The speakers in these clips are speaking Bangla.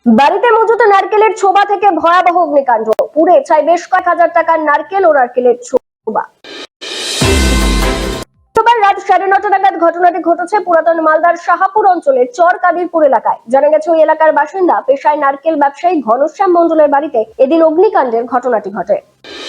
বাড়িতে মজুত নারকেলের ছোবা থেকে ভয়াবহ অগ্নিকাণ্ড, পুড়ে ছাই বেশ কয়েক হাজার টাকার নারকেল ও নারকেলের ছোবা। শুক্রবার রাত 9:30 নাগাদ ঘটনাটি ঘটেছে পুরাতন মালদার শাহাপুর অঞ্চলের চর কাদিরপুর এলাকায়। জানা গেছে ওই এলাকার বাসিন্দা পেশায় নারকেল ব্যবসায়ী ঘনশ্যাম মণ্ডলের বাড়িতে এদিন অগ্নিকাণ্ডের ঘটনাটি ঘটে।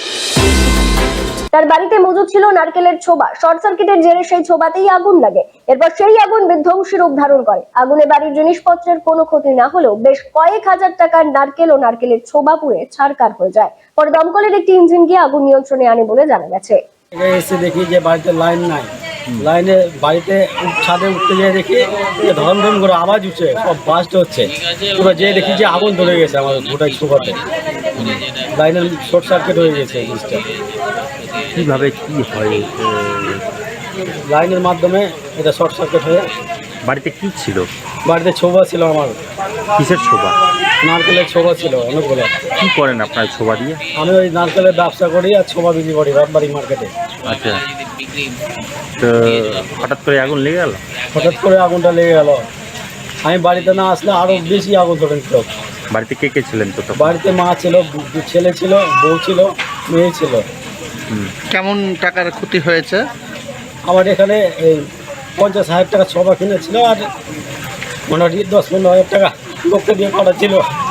তার বাড়িতে মজুদ ছিল নারকেলের ছোবা। শর্ট সার্কিটের জেরে সেই ছোবাতেই আগুন লাগে। এরপর সেই আগুন বিধ্বংসী রূপ ধারণ করে। আগুনে বাড়ির জিনিসপত্রের কোনো ক্ষতি না হলেও বেশ কয়েক হাজার টাকার নারকেল ও নারকেলের ছোবা পুড়ে ছারখার হয়ে যায়। পরে দমকলের একটি ইঞ্জিন গিয়ে আগুন নিয়ন্ত্রণে আনে বলে জানা গেছে। এসে দেখি যে বাড়িতে লাইন নাই, লাইনে বাড়িতে ছাদে উঠতে যেয়ে দেখি যে ধরম ধরম করে আওয়াজ উঠছে, সব বাস্ট হচ্ছে। পুরো যেয়ে দেখি যে আগুন ধরে গেছে আমার গোটাই ছোবাতে, লাইনের শর্ট সার্কিট হয়ে গেছে জিনিসটা। কিভাবে কি হয়? লাইনের মাধ্যমে এটা শর্ট সার্কিট হয়ে। বাড়িতে কি ছিল? বাড়িতে ছোবা ছিল আমার, কিসের ছোবা? নারকেলের ছোবা ছিল অনেকগুলো। কি করেন আপনার ছোবা দিয়ে? আমি ওই নারকেলের ব্যবসা করি আর ছোবা বিক্রি করি রাতবাড়ি মার্কেটে। আচ্ছা, তো হঠাৎ করে আগুন লেগে গেল? হঠাৎ করে আগুনটা লেগে গেল। আমি বাড়িতে না আসলে আরও বেশি আগুন ধরে নিত। বাড়িতে কে কে ছিলেন তো? বাড়িতে মা ছিল, ছেলে ছিল, বউ ছিল, মেয়ে ছিল। কেমন টাকার ক্ষতি হয়েছে? আমার এখানে এই 50,000 টাকা ছোবা কিনেছিল আর মোটামুটি 10-15,000 টাকা লোককে দিয়ে করা ছিল।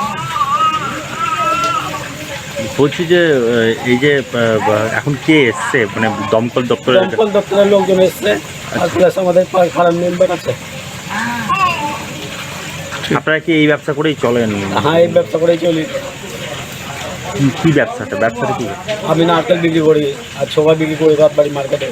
বলছি যে এই যে এখন কে এসছে, মানে দমকল দপ্তরের? দমকল দপ্তরের লোকজন এসছে আর প্লাস আমাদের ফার্ম মেম্বার আছে। আপনারা কি এই ব্যবসা করেই চলেন? হ্যাঁ, এই ব্যবসা করেই চলি। কি ব্যবসাটা কি? আমি নারকেল বিক্রি করি আর ছোবা বিক্রি করি রাতবাড়ি মার্কেটে।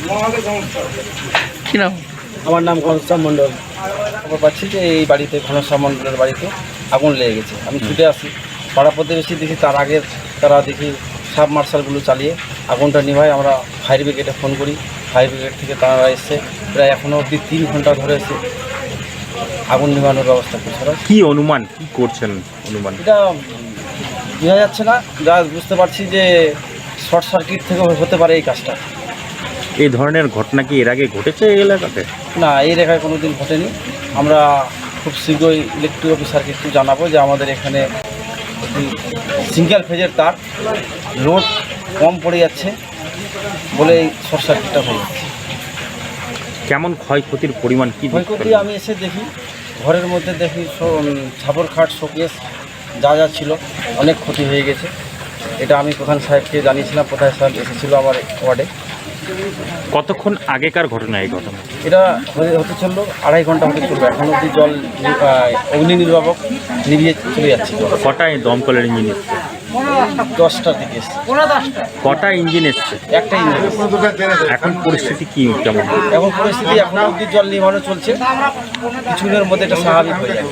কি নাম? আমার নাম ঘনশ্যাম মণ্ডল। খবর পাচ্ছি যে এই বাড়িতে ঘনশ্যাম মণ্ডলের বাড়িতে আগুন লেগে গেছে। আমি ছুটে আসি, পাড়া প্রতিবেশী দেখি তার আগে তারা দেখি সাব মার্শালগুলো চালিয়ে আগুনটা নিভায়। আমরা ফায়ার ব্রিগেডে ফোন করি, ফায়ার ব্রিগেড থেকে তারা এসে প্রায় এখনও অবধি 3 ঘন্টা ধরে এসে আগুন নিভানোর ব্যবস্থা করছে। কি অনুমান, কি করছেন অনুমান? এটা বোঝা যাচ্ছে না, যা বুঝতে পারছি যে শর্ট সার্কিট থেকে হতে পারে এই কাজটা। এই ধরনের ঘটনা কি এর আগে ঘটেছে এই এলাকাতে? না, এই রেখায় কোনো দিন ঘটেনি। আমরা খুব শীঘ্রই ইলেকট্রিক অফিসারকে একটু জানাবো যে আমাদের এখানে সিঙ্গেল ফেজের তার লোড কম পড়ে যাচ্ছে বলে এই শর্ট সার্কিটটা হয়ে যাচ্ছে। কেমন ক্ষয়ক্ষতির পরিমাণ কি? ক্ষয়ক্ষতি আমি এসে দেখি ঘরের মধ্যে দেখি ছাপর খাট, শোকেস যা যা ছিল অনেক ক্ষতি হয়ে গেছে। এটা আমি প্রধান সাহেবকে জানিয়েছিলাম, প্রধান সাহেব এসেছিলো আমার ওয়ার্ডে। কতক্ষণ আগেকার ঘটনা এই ঘটনা? এটা হতে চললো 2.5 ঘন্টা হতে চললো। এখন অবধি জল অগ্নি নির্বাপক নিভিয়ে চলে যাচ্ছে। কটায় দমকলের ইঞ্জিন এসছে? 10টার দিকে এসছে। কটা ইঞ্জিন এসছে? একটা ইঞ্জিন এসছে। এখন পরিস্থিতি কি কেমন? এখন পরিস্থিতি এখন অবধি জল নিভানো চলছে, কিছুদিনের মধ্যে এটা স্বাভাবিক হয়ে যাবে।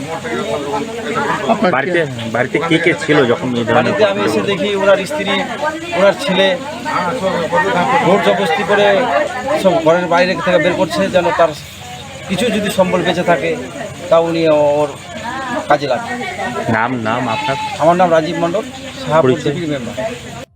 বাড়িতে কে কে ছিল যখন এই ধরনের? বাড়িতে আমি এসে দেখি ওনার স্ত্রী, ওনার ছেলে ভোট জবরদস্তি করে সব ঘরের বাইরে থেকে বের করছে যেন তার কিছু যদি সম্বল বেঁচে থাকে তা উনি ওর কাজে লাগে। নাম আপনার? আমার নাম রাজীব মণ্ডল, শাহাপুর মেম্বার।